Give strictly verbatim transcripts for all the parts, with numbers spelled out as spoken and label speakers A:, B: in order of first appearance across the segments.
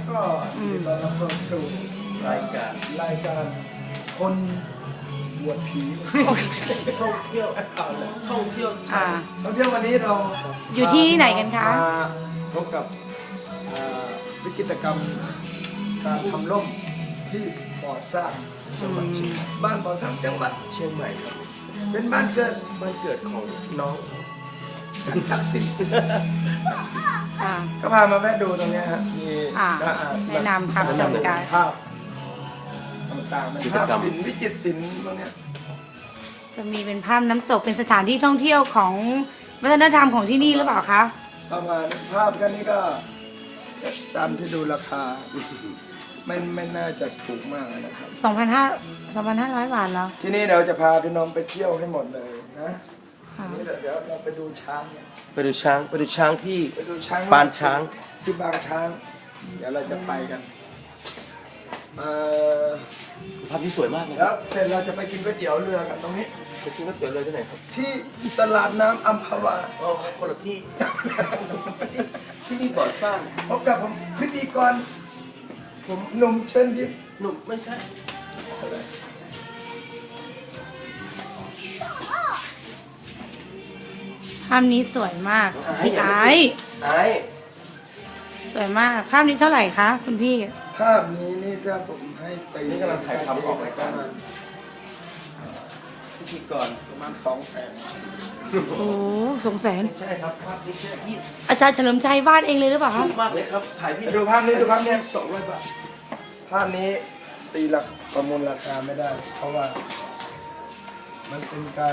A: ก็เราเราเข้าสู่รายการรายการคนบวชผีท่องเที่ยวเอาเลยท่องเที่ยว
B: อ่า
A: ท่องเที่ยววันนี้เรา
B: อยู่ที่ไหนกันคะ
A: มาพบกับวิกฤตกรรมการทำร่มที่บ่อสร้างจังหวัดเชียงใหม่บ้านบ่อสร้างจังหวัดเชียงใหม่ครับเป็นบ้านเกิดบ้านเกิดของน้องกันทักษิณ
B: อ่า
A: ก็พามาแวะดูตรงนี้ฮะมี
B: อ่าแนะนำครับ
A: แนะนำ
B: ชมกัน
A: ภาพต่างๆมันภาพศิลป์วิจิตรศิลป์พวกเนี้ย
B: จะมีเป็นภาพน้ำตกเป็นสถานที่ท่องเที่ยวของวัฒนธรรมของที่นี่หรือเปล่าคะ
A: ประมาณภาพกันนี้ก็ตามที่ดูราคาไม่ไม่น่าจะถูกมากนะครับ
B: สองพันห้าร้อย บาทแล้ว
A: ที่นี่เราจะพาพี่น้องไปเที่ยวให้หมดเลยนะ
B: ค่ะ
A: นี่เดี๋ยวเราไปดูช้างเนี่ย
C: ไปดูช้างไปดูช้างที่
A: ไปดูช้าง
C: ปางช้าง
A: ที่บางช้าง เดี๋ยวเราจะไปกันเอ่อ
C: ภาพที่สวยมากเลย
A: แล้วเสร็จเราจะไปกินก๋วยเตี๋ยวเรือกันตรงนี้
C: ไปซื้อก๋วยเตี๋ยวเลยที่ไหนครับ
A: ที่ตลาดน้ำอัมพวา
C: อ๋อคนละที่ ที่นี่บ่อสร้าง
A: พบกับผมพิธีกรผมหนุ่มเชิญยิ้ม
C: หนุ่มไม่ใช่
B: ภาพนี้สวยมากพี่ไอซ์
C: ไอ้
B: สวยมาก ภาพนี้เท่าไหร่คะคุณพี่
A: ภาพนี้นี่ถ้าผมให้ตี
C: นี่กำลังถ่ายทำออกรายการ พิธีกร
A: ประมาณสองแสน
B: โอ้สงแสน
C: ไม่ใช่ครับภาพนี้แค่ยี่สิบ
B: อาจารย์เฉลิมชัยวาดเองเลยหรือเปล่าคะ
C: ถูกมากเลยครับถ่ายพี่
A: ดูภาพนี้ดูภาพนี้สองร้อยบาทภาพนี้ตีราคาประมูลราคาไม่ได้ เพราะว่า มันเป็นการ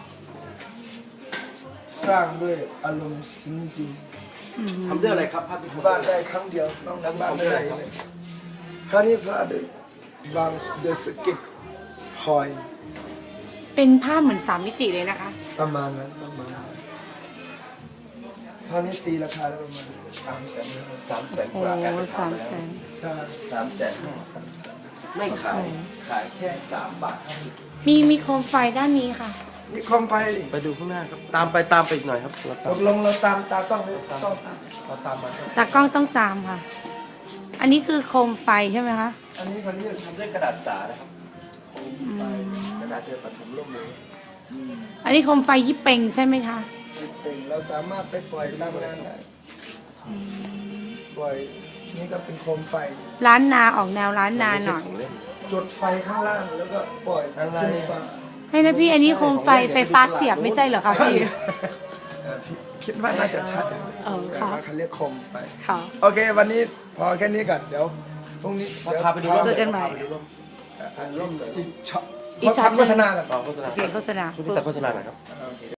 A: สร้างด้วยอารมณ์ซึ้งจริง
C: ทำด้วยอะไรครับภาพที่
A: บ้านได้ครั้งเดียวน้องนั้นบ้านไม่ได้เลยภาพนี้พระเดชบางเดอะสกิทพอย
B: เป็นภาพเหมือนสามมิติเลยนะคะ
A: ประมาณนั้นประมาณนั้นภาพนี้ตีราคาได้ประมาณสามแสน
C: สามแสน
B: โอ้
C: กว่าแอบไป
B: สาม
C: แล้ว
B: แสน
C: สามแสนห้าสามแสนไม่ขาย ขายแค่สามบาทห้าสิบ
B: มีมีโคมไฟด้านนี้ค่ะ
A: นี่โคมไฟดิ
C: ไปดูข้างหน้าครับ ตามไปตามไปอีกหน่อยครับเรา
A: ต
C: ตาม
A: กลงเราตามตาต้องเลยต้องตาม
C: เราตามมาครับ
B: ตากล้องต้องตามค่ะ อันนี้คือโคมไฟใช่ไหมคะ
A: อันนี้คนนี้
C: ทำด้วยกระดาษสานะครับกระดาษเดือปฐมร่มเลย
B: อันนี้โคมไฟยิปเป่งใช่ไหมคะ
A: เป็นเราสามารถไปปล่อยตามงานได้ปล่อยนี่ก็เป็นโคมไฟ
B: ร้านนาออกแนวร้านนาหน่อย
C: ไม่ใช่ของเล่น
A: จุดไฟข้างล่างแล้วก็ปล่อยขึ้นฟ้า
B: ให้นะพี่ อันนี้โคมไฟไฟฟ้าเสียบไม่ใช่เหรอคะพี่
A: เอ่อพี่คิดว่าน่าจะชัด
B: เออค่ะ
A: เขาเรียกโคมไฟ
B: ค่ะ
A: โอเค วันนี้พอแค่นี้ก่อนเดี๋ยวพรุ่งนี้
C: พาพาไปดูร่ม
B: เจอกันใหม่
C: พาไปดูร่ม
A: ร่มอีกช็อต
B: อีกช็อตหนึ่ง
A: โฆษณาก่อน
C: ต่อโฆษณา
B: โอเคโฆษณา
C: ช่วยพี่ตัดโฆษณาหน่อยครับ
A: โอเค